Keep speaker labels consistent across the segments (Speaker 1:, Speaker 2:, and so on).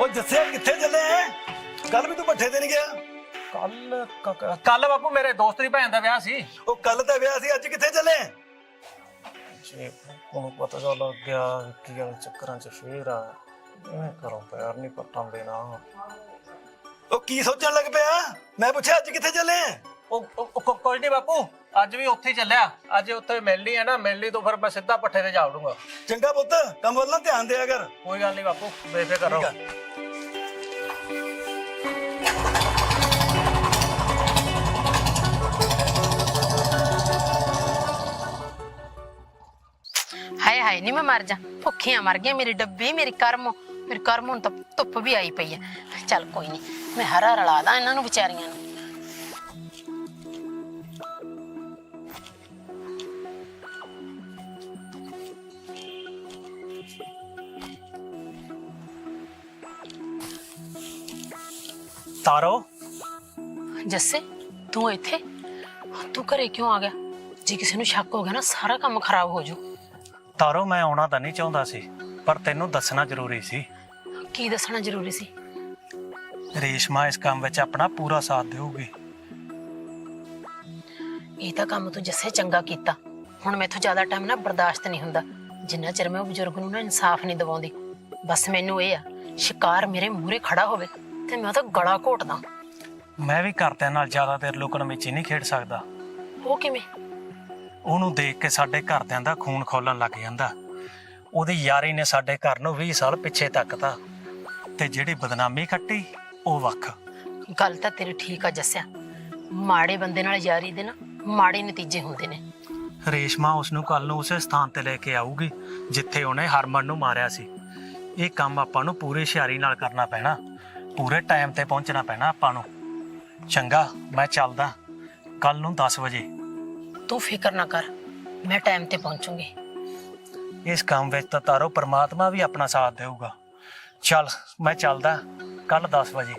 Speaker 1: ਦੱਸਿਆ ਕਿੱਥੇ ਚੱਲੇ ਐ? ਕੱਲ ਵੀ ਤੂੰ ਭੱਠੇ ਤੇ ਨਹੀਂ ਗਿਆ।
Speaker 2: ਕੱਲ ਬਾਪੂ ਮੇਰੇ ਦੋਸਤ ਦੀ ਭੈਣ ਦਾ ਵਿਆਹ ਸੀ।
Speaker 1: ਉਹ ਕੱਲ ਤਾਂ ਵਿਆਹ ਸੀ, ਅੱਜ ਕਿੱਥੇ ਚੱਲੇ?
Speaker 2: ਜੇ ਉਹਨੂੰ ਪਤਾ ਤਾਂ ਲੱਗ ਗਿਆ ਕਿ ਚੱਕਰਾਂ 'ਚ ਫੇਰ ਆ ਮੈਂ ਘਰੋਂ ਪੈਰ ਨਹੀਂ ਪੱਟਣ ਦੇਣਾ।
Speaker 1: ਉਹ ਕੀ ਸੋਚਣ ਲੱਗ ਪਿਆ? ਮੈਂ ਪੁੱਛਿਆ ਅੱਜ ਕਿੱਥੇ ਚੱਲੇ?
Speaker 2: ਕੋਈ ਨਹੀਂ ਬਾਪੂ, ਅੱਜ ਵੀ ਉੱਥੇ ਹੀ ਚੱਲਿਆ। ਅੱਜ ਉੱਥੇ ਮਿਲਣੀ ਹੈ ਨਾ, ਮਿਲਣੀ ਤੋਂ ਫਿਰ ਮੈਂ ਸਿੱਧਾ ਪੱਠੇ ਤੇ ਜਾ ਵੜੂੰਗਾ।
Speaker 1: ਚੰਗਾ ਪੁੱਤ, ਕੰਮ ਵੱਲ ਨਾ ਧਿਆਨ ਦਿਆ ਕਰ।
Speaker 2: ਕੋਈ ਗੱਲ ਨਹੀਂ ਬਾਪੂ, ਬੇਫਿਕਰ ਰਹੋ।
Speaker 3: ਹਾਏ ਹਾਏ ਨੀ ਮੈਂ ਮਰ ਜਾ, ਭੁੱਖੀਆਂ ਮਰ ਗਈਆਂ। ਮੇਰੀ ਡੱਬੀ, ਮੇਰੀ ਕਰਮ ਹੁਣ ਤਾਂ ਧੁੱਪ ਵੀ ਆਈ ਪਈ ਆ। ਚੱਲ ਕੋਈ ਨਹੀਂ, ਮੈਂ ਹਰਾ ਰਲਾ ਦਾਂ ਇਹਨਾਂ ਨੂੰ ਵਿਚਾਰੀਆਂ ਨੂੰ।
Speaker 2: ਤਾਰੋ,
Speaker 3: ਜੱਸੇ ਤੂੰ ਇੱਥੇ? ਤੂੰ ਘਰੇ ਕਿਉਂ ਆ ਗਿਆ? ਜੇ ਕਿਸੇ ਨੂੰ ਸ਼ੱਕ ਹੋ ਗਿਆ ਨਾ, ਸਾਰਾ ਕੰਮ ਖਰਾਬ ਹੋ ਜਾਊ।
Speaker 2: ਤਾਰੋ ਮੈਂ ਆਉਣਾ ਤਾਂ ਨਹੀਂ ਚਾਹੁੰਦਾ ਸੀ, ਪਰ ਤੈਨੂੰ ਦੱਸਣਾ ਜ਼ਰੂਰੀ ਸੀ।
Speaker 3: ਕੀ ਦੱਸਣਾ ਜ਼ਰੂਰੀ ਸੀ?
Speaker 2: ਰੇਸ਼ਮਾ ਇਸ ਕੰਮ ਵਿੱਚ ਆਪਣਾ ਪੂਰਾ ਸਾਥ ਦੇਊਗੀ।
Speaker 3: ਇਹ ਤਾਂ ਕੰਮ ਤੂੰ ਜੱਸੇ ਚੰਗਾ ਕੀਤਾ। ਹੁਣ ਮੈਥੋਂ ਜ਼ਿਆਦਾ ਟਾਈਮ ਨਾ ਬਰਦਾਸ਼ਤ ਨਹੀਂ ਹੁੰਦਾ, ਜਿੰਨਾ ਚਿਰ ਮੈਂ ਉਹ ਬਜ਼ੁਰਗ ਨੂੰ ਨਾ ਇਨਸਾਫ ਨਹੀਂ ਦਿਵਾਉਂਦੀ। ਬਸ ਮੈਨੂੰ ਇਹ ਆ, ਸ਼ਿਕਾਰ ਮੇਰੇ ਮੂਹਰੇ ਖੜਾ ਹੋਵੇ ਤੇ ਮੈਂ ਉਹਦਾ ਗਲਾ ਘੋਟਦਾ।
Speaker 2: ਮੈਂ ਵੀ ਘਰਦਿਆਂ ਨਾਲ ਜ਼ਿਆਦਾ ਦੇਰ ਲੁਕਣ ਮਿਚੀ ਨਹੀਂ ਖੇਡ ਸਕਦਾ।
Speaker 3: ਉਹ ਕਿਵੇਂ?
Speaker 2: ਉਹਨੂੰ ਦੇਖ ਕੇ ਸਾਡੇ ਘਰਦਿਆਂ ਦਾ ਖੂਨ ਖੋਲਣ ਲੱਗ ਜਾਂਦਾ। ਉਹਦੀ ਯਾਰੀ ਨੇ ਸਾਡੇ ਘਰ ਨੂੰ 20 ਸਾਲ ਪਿੱਛੇ ਤੱਕਤਾ, ਤੇ ਜਿਹੜੀ ਬਦਨਾਮੀ ਖੱਟੀ ਉਹ ਵੱਖ।
Speaker 3: ਗੱਲ ਤਾਂ ਤੇਰੀ ਠੀਕ ਆ ਜੱਸਿਆ, ਮਾੜੇ ਬੰਦੇ ਨਾਲ ਯਾਰੀ ਦੇ ਨਾ ਮਾੜੇ ਨਤੀਜੇ ਹੁੰਦੇ ਨੇ।
Speaker 2: ਰੇਸ਼ਮਾ ਉਸਨੂੰ ਕੱਲ ਨੂੰ ਉਸੇ ਸਥਾਨ ਤੇ ਲੈ ਕੇ ਆਊਗੀ ਜਿੱਥੇ ਉਹਨੇ ਹਰਮਨ ਨੂੰ ਮਾਰਿਆ ਸੀ। ਇਹ ਕੰਮ ਆਪਾਂ ਨੂੰ ਪੂਰੀ ਹੁਸ਼ਿਆਰੀ ਨਾਲ ਕਰਨਾ ਪੈਣਾ, ਪੂਰੇ ਟਾਈਮ ਤੇ ਪਹੁੰਚਣਾ ਪੈਣਾ ਆਪਾਂ ਨੂੰ। ਚੰਗਾ, ਮੈਂ ਚੱਲਦਾ। ਕੱਲ ਨੂੰ 10 ਵਜੇ।
Speaker 3: ਤੂੰ ਫਿਕਰ ਨਾ ਕਰ, ਮੈਂ ਟਾਈਮ ਤੇ ਪਹੁੰਚੂਗੀ।
Speaker 2: ਇਸ ਕੰਮ ਵਿੱਚ ਤਾਂ ਤਾਰੋ ਪਰਮਾਤਮਾ ਵੀ ਆਪਣਾ ਸਾਥ ਦੇਊਗਾ। ਚੱਲ ਮੈਂ ਚੱਲਦਾ, ਕੱਲ 10 ਵਜੇ।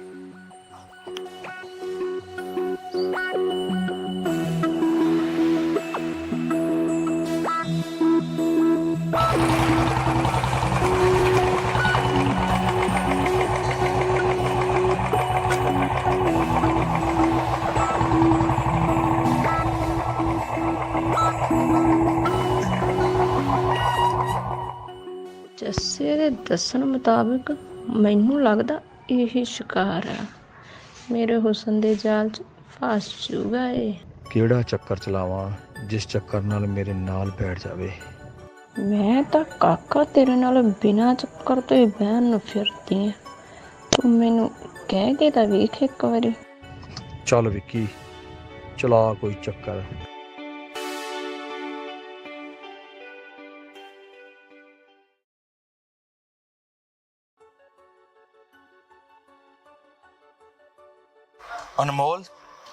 Speaker 4: ਜੱਸੇ ਦੇ ਦੱਸਣ ਮੁਤਾਬਕ ਮੈਨੂੰ ਲੱਗਦਾ ਇਹ ਸ਼ਿਕਾਰ ਆ, ਮੇਰੇ ਹੁਸਨ ਦੇ ਜਾਲ 'ਚ ਫਸ ਜੂਗਾ ਇਹ।
Speaker 5: ਕਿਹੜਾ ਚੱਕਰ ਚਲਾਵਾਂ ਜਿਸ ਚੱਕਰ ਨਾਲ ਮੇਰੇ ਨਾਲ ਬੈਠ ਜਾਵੇ।
Speaker 4: ਮੈਂ ਤਾਂ ਕਾਕਾ ਤੇਰੇ ਨਾਲ ਬਿਨਾਂ ਚੱਕਰ ਤੋਂ ਹੀ ਬਹਿਣ ਨੂੰ ਫਿਰਦੀ ਆ। ਤੂੰ ਮੈਨੂੰ ਕਹਿ ਕੇ ਤਾਂ ਵੇਖ ਇੱਕ ਵਾਰੀ।
Speaker 5: ਚੱਲ ਵਿੱਕੀ, ਚਲਾ ਕੋਈ ਚੱਕਰ।
Speaker 1: ਅਨਮੋਲ,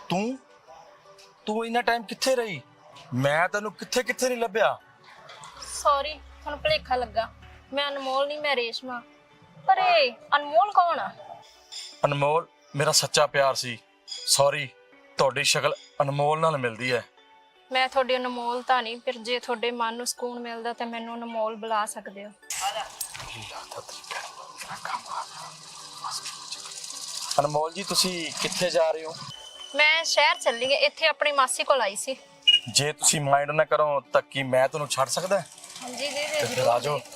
Speaker 1: ਤੂੰ ਇੰਨਾ ਟਾਈਮ ਕਿੱਥੇ ਰਹੀ? ਮੈਂ ਤੈਨੂੰ ਕਿੱਥੇ ਨਹੀਂ ਲੱਭਿਆ।
Speaker 6: ਸੌਰੀ, ਤੁਹਾਨੂੰ ਭੁਲੇਖਾ ਲੱਗਾ। ਮੈਂ ਅਨਮੋਲ ਨਹੀਂ, ਮੈਂ ਰੇਸ਼ਮਾ। ਪਰ ਇਹ ਅਨਮੋਲ ਕੌਣ ਆ?
Speaker 1: ਅਨਮੋਲ ਮੇਰਾ ਸੱਚਾ ਪਿਆਰ ਸੀ। ਸੌਰੀ, ਤੁਹਾਡੀ ਸ਼ਕਲ ਅਨਮੋਲ ਨਾਲ ਮਿਲਦੀ ਹੈ।
Speaker 6: ਮੈਂ ਤੁਹਾਡੀ ਅਨਮੋਲ ਤਾਂ ਨਹੀਂ, ਫਿਰ ਜੇ ਤੁਹਾਡੇ ਮਨ ਨੂੰ ਸਕੂਨ ਮਿਲਦਾ ਤਾਂ ਮੈਨੂੰ ਅਨਮੋਲ ਬੁਲਾ ਸਕਦੇ ਹੋ।
Speaker 1: ਅਨਮੋਲ ਜੀ, ਤੁਸੀਂ ਕਿੱਥੇ ਜਾ ਰਹੇ ਹੋ?
Speaker 6: ਮੈਂ ਸ਼ਹਿਰ ਚੱਲੀ ਗਈ, ਇੱਥੇ ਆਪਣੀ ਮਾਸੀ ਕੋਲ ਆਈ ਸੀ।
Speaker 1: ਜੇ ਤੁਸੀਂ ਮਾਈਂਡ ਨਾ ਕਰੋ ਤਾਂ ਕੀ ਮੈਂ ਤੁਹਾਨੂੰ ਛੱਡ ਸਕਦਾ?
Speaker 6: ਹਾਂਜੀ ਜੀ,
Speaker 1: ਫਿਰ ਆ ਜਾਓ।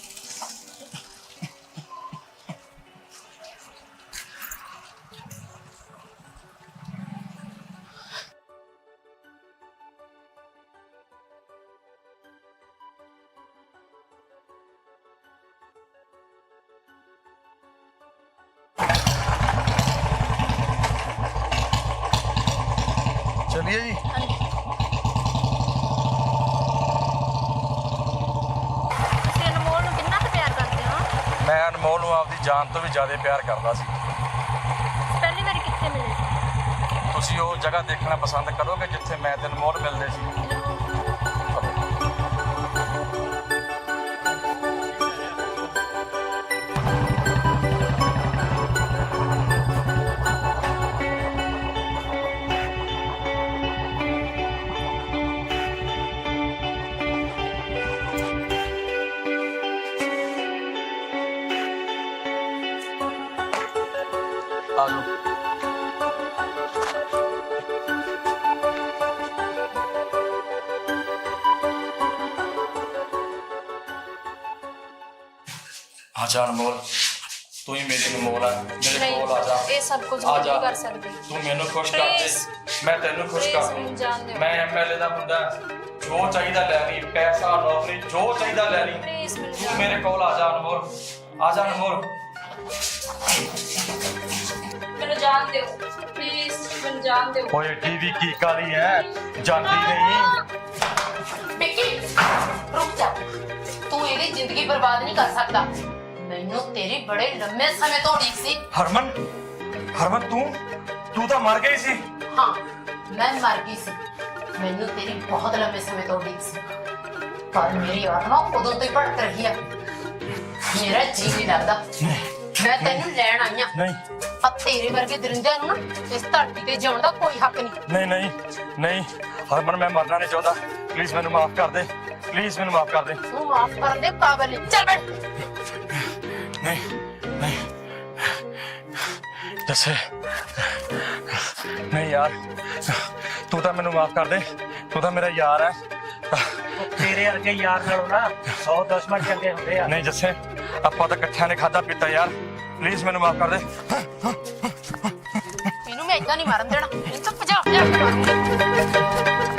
Speaker 1: चलिए जी।
Speaker 6: ਤੁਸੀਂ ਅਨਮੋਲ ਨੂੰ ਕਿੰਨਾ ਕੁ ਪਿਆਰ ਕਰਦੇ ਹੋ?
Speaker 1: मैं अनमोल ਨੂੰ ਆਪਦੀ ਜਾਨ ਤੋਂ ਵੀ ਜ਼ਿਆਦਾ ਪਿਆਰ ਕਰਦਾ ਸੀ।
Speaker 6: ਪਹਿਲੀ ਵਾਰੀ ਕਿੱਥੇ ਮਿਲੇ ਸੀ?
Speaker 1: ਤੁਸੀਂ ਉਹ ਜਗ੍ਹਾ ਦੇਖਣਾ ਪਸੰਦ ਕਰੋਗੇ ਜਿੱਥੇ ਮੈਂ ਤੇ ਅਨਮੋਲ ਮਿਲਦੇ ਸੀ? ਆਜਾ ਅਨਮੋਲ, ਤੂੰ ਹੀ ਮੇਰੀ ਅਨਮੋਲ ਹੈ, ਮੇਰੇ ਕੋਲ ਆ ਜਾ।
Speaker 6: ਇਹ ਸਭ ਕੁਝ
Speaker 1: ਆ
Speaker 6: ਮੈਂ
Speaker 1: ਜਾ।
Speaker 6: ਨਹੀਂ ਕਰ ਸਕਦੀ।
Speaker 1: ਤੂੰ ਮੈਨੂੰ ਖੁਸ਼ ਕਰ ਦੇ,
Speaker 6: Please,
Speaker 1: ਮੈਂ ਤੈਨੂੰ ਖੁਸ਼
Speaker 6: please
Speaker 1: ਕਰ
Speaker 6: ਮੈਨੂੰ ਜਾਣ
Speaker 1: ਦੂੰ।
Speaker 6: ਦਿਓ।
Speaker 1: ਮੈਂ ਐਮਐਲਏ ਦਾ ਮੁੰਡਾ, ਜੋ ਚਾਹੀਦਾ ਲੈ ਲਈ, ਪੈਸਾ ਨੌਕਰੀ ਜੋ ਚਾਹੀਦਾ ਲੈ ਲਈ।
Speaker 6: Please ਮੈਨੂੰ
Speaker 1: ਤੂੰ
Speaker 6: ਜਾਣ
Speaker 1: ਮੇਰੇ ਕੋਲ ਆ ਜਾ ਅਨਮੋਲ, ਆ ਜਾ ਅਨਮੋਲ।
Speaker 6: ਮੈਨੂੰ ਜਾਣ ਦਿਓ ਪਲੀਜ਼, ਮੈਨੂੰ ਜਾਣ ਦਿਓ।
Speaker 1: ਓਏ ਟੀਵੀ ਕੀ ਕਾਲੀ ਹੈ, ਜਾਂਦੀ ਨਹੀਂ।
Speaker 3: ਵਿੱਕੀ ਰੁਕ ਜਾ, ਤੂੰ ਇਹਦੀ ਜ਼ਿੰਦਗੀ ਬਰਬਾਦ ਨਹੀਂ ਕਰ ਸਕਦਾ। ਮੈਨੂੰ ਤੇਰੀ ਬੜੇ ਲੰਮੇ ਸਮੇਂ ਤੋਂ ਉਡੀਕ ਸੀ।
Speaker 1: ਹਰਮਨ, ਹਰਮਨ ਤੂੰ ਤਾਂ ਮਰ ਗਈ ਸੀ।
Speaker 3: ਹਾਂ, ਮੈਂ ਮਰ ਗਈ ਸੀ। ਮੈਨੂੰ ਤੇਰੀ ਬਹੁਤ ਲੰਮੇ ਸਮੇਂ ਤੋਂ ਉਡੀਕ ਸੀ, ਪਰ ਮੇਰੀ ਆਤਮਾ ਉਦੋਂ ਤੋਂ ਹੀ ਭਟਕ ਰਹੀ ਹੈ। ਮੇਰਾ ਜੀ ਨਹੀਂ ਲੱਗਦਾ। ਮੈਂ ਤੈਨੂੰ ਲੈਣ ਆਈ ਹਾਂ।
Speaker 1: ਨਹੀਂ
Speaker 3: ਆ ਤੇਰੇ ਵਰਗੇ ਦਰਿੰਦਿਆਂ ਨੂੰ ਨਾ ਇਸ ਧਰਤੀ ਤੇ ਜਿਉਣ ਦਾ ਕੋਈ ਹੱਕ ਨਹੀਂ।
Speaker 1: ਨਹੀਂ ਨਹੀਂ ਨਹੀਂ ਹਰਮਨ, ਮੈਂ ਮਰਨਾ ਨਹੀਂ ਚਾਹੁੰਦਾ। ਪਲੀਜ਼ ਮੈਨੂੰ ਮਾਫ ਕਰ ਦੇ, ਪਲੀਜ਼ ਮੈਨੂੰ ਮਾਫ ਕਰ ਦੇ।
Speaker 3: ਤੂੰ ਮਾਫ ਕਰਨ ਦੇ ਕਾਬਿਲ ਨਹੀਂ। ਚੱਲ ਬੈਠ।
Speaker 1: ਨਹੀਂ ਨਹੀਂ ਜੱਸੇ, ਨਹੀਂ ਯਾਰ, ਤੂੰ ਤਾਂ ਮੈਨੂੰ ਮਾਫ ਕਰ ਦੇ, ਤੂੰ ਤਾਂ ਮੇਰਾ ਯਾਰ ਹੈ।
Speaker 2: ਤੇਰੇ ਵਰਗੇ ਯਾਰ ਨਾਲੋਂ ਨਾ 100 ਦੁਸ਼ਮਣ ਚੰਗੇ ਹੁੰਦੇ ਆ।
Speaker 1: ਨਹੀਂ ਜੱਸੇ, ਆਪਾਂ ਤਾਂ ਇਕੱਠਿਆਂ ਨੇ ਖਾਦਾ ਪੀਤਾ ਯਾਰ, ਪਲੀਜ਼ ਮੈਨੂੰ ਮਾਫ ਕਰ ਦੇ।
Speaker 3: ਇਹਨੂੰ ਮੈਂ ਏਦਾਂ ਨਹੀਂ ਮਾਰਨ ਦੇਣਾ। ਇਹਨੂੰ ਤਾਂ ਭਜਾ ਭਜਾ ਕੇ ਮਾਰੂੰਗੀ।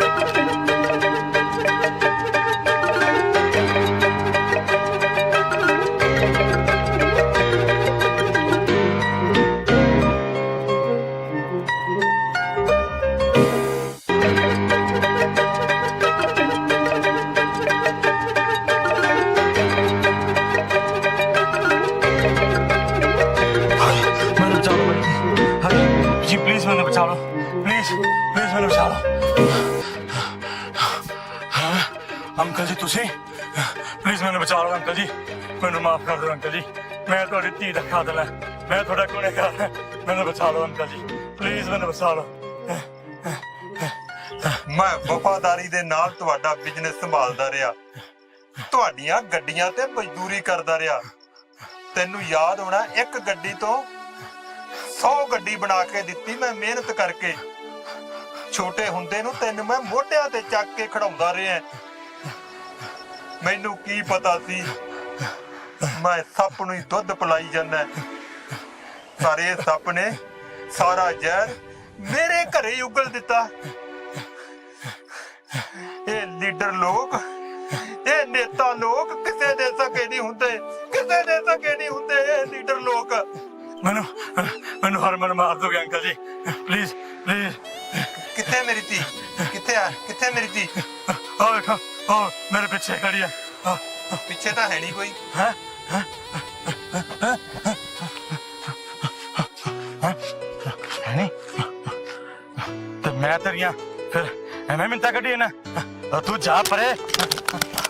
Speaker 1: ਮੈਨੂੰ ਬਚਾ ਲਓ ਭਾਈ, ਜੀ ਪਲੀਜ਼ ਮੈਨੂੰ ਬਚਾ ਲਓ, ਪਲੀਜ਼ ਪਲੀਜ਼ ਮੈਨੂੰ ਬਚਾ ਲਓ। ਅੰਕਲ ਜੀ ਤੁਸੀਂ ਪਲੀਜ਼ ਮੈਨੂੰ ਬਚਾ ਲਓ। ਅੰਕਲ ਜੀ ਮੈਨੂੰ ਮਾਫ ਕਰ ਦਿਓ। ਅੰਕਲ ਜੀ ਮੈਂ ਤੁਹਾਡੀ ਧੀ ਦਾ ਕਾਤਲ ਹਾਂ, ਮੈਂ ਤੁਹਾਡਾ ਗੁਨਹਗਾਰ ਹਾਂ, ਮੈਨੂੰ ਬਚਾ ਲਓ ਅੰਕਲ ਜੀ, ਪਲੀਜ਼ ਮੈਨੂੰ ਬਚਾ ਲਓ।
Speaker 7: ਮੈਂ ਵਫਾਦਾਰੀ ਦੇ ਨਾਲ ਤੁਹਾਡਾ ਬਿਜ਼ਨਸ ਸੰਭਾਲਦਾ ਰਿਹਾ, ਤੁਹਾਡੀਆਂ ਗੱਡੀਆਂ ਤੇ ਮਜ਼ਦੂਰੀ ਕਰਦਾ ਰਿਹਾ। ਤੈਨੂੰ ਯਾਦ ਹੋਣਾ, ਇੱਕ ਗੱਡੀ ਤੋਂ 100 ਗੱਡੀ ਬਣਾ ਕੇ ਦਿੱਤੀ ਮੈਂ ਮਿਹਨਤ ਕਰਕੇ। ਛੋਟੇ ਹੁੰਦੇ ਨੂੰ ਤੈਨੂੰ ਮੈਂ ਮੋਢਿਆਂ ਤੇ ਚੱਕ ਕੇ ਖੜਾਉਂਦਾ ਰਿਹਾ। ਮੈਨੂੰ ਕੀ ਪਤਾ ਸੀ ਮੈਂ ਸੱਪ ਨੂੰ ਹੀ ਦੁੱਧ ਪਿਲਾਈ ਜਾਂਦਾ, ਪਰ ਇਹ ਸੱਪ ਨੇ ਸਾਰਾ ਜ਼ਹਿਰ ਮੇਰੇ ਘਰੇ ਹੀ ਉਗਲ ਦਿੱਤਾ। ਇਹ ਲੀਡਰ ਲੋਕ, ਇਹ ਨੇਤਾ ਲੋਕ ਕਿਸੇ ਦੇ ਸਕੇ ਨਹੀਂ ਹੁੰਦੇ, ਕਿਸੇ ਦੇ ਸਕੇ ਨਹੀਂ ਹੁੰਦੇ ਇਹ ਲੀਡਰ ਲੋਕ।
Speaker 1: ਮੈਨੂੰ ਮੈਨੂੰ ਹਰਮਨ ਮਾਰ ਦੋਗੇ ਅੰਕਲ ਜੀ, ਪਲੀਜ਼ ਪਲੀਜ਼।
Speaker 7: ਕਿੱਥੇ ਮੇਰੀ ਧੀ? ਕਿੱਥੇ ਆ? ਕਿੱਥੇ ਮੇਰੀ ਧੀ?
Speaker 1: ਆਹ ਵੇਖੋ, ਆਹ ਮੇਰੇ ਪਿੱਛੇ ਖੜੀ ਹੈ।
Speaker 7: ਪਿੱਛੇ ਤਾਂ ਹੈ ਨਹੀਂ ਕੋਈ।
Speaker 1: ਹੈ ਨਹੀਂ ਤੇ ਮੈਂ ਤੇਰੀਆਂ ਫਿਰ ਐਵੇਂ ਮਿੰਤਾ ਕੱਢੀ ਨਾ, ਤੂੰ ਜਾ ਪਰੇ।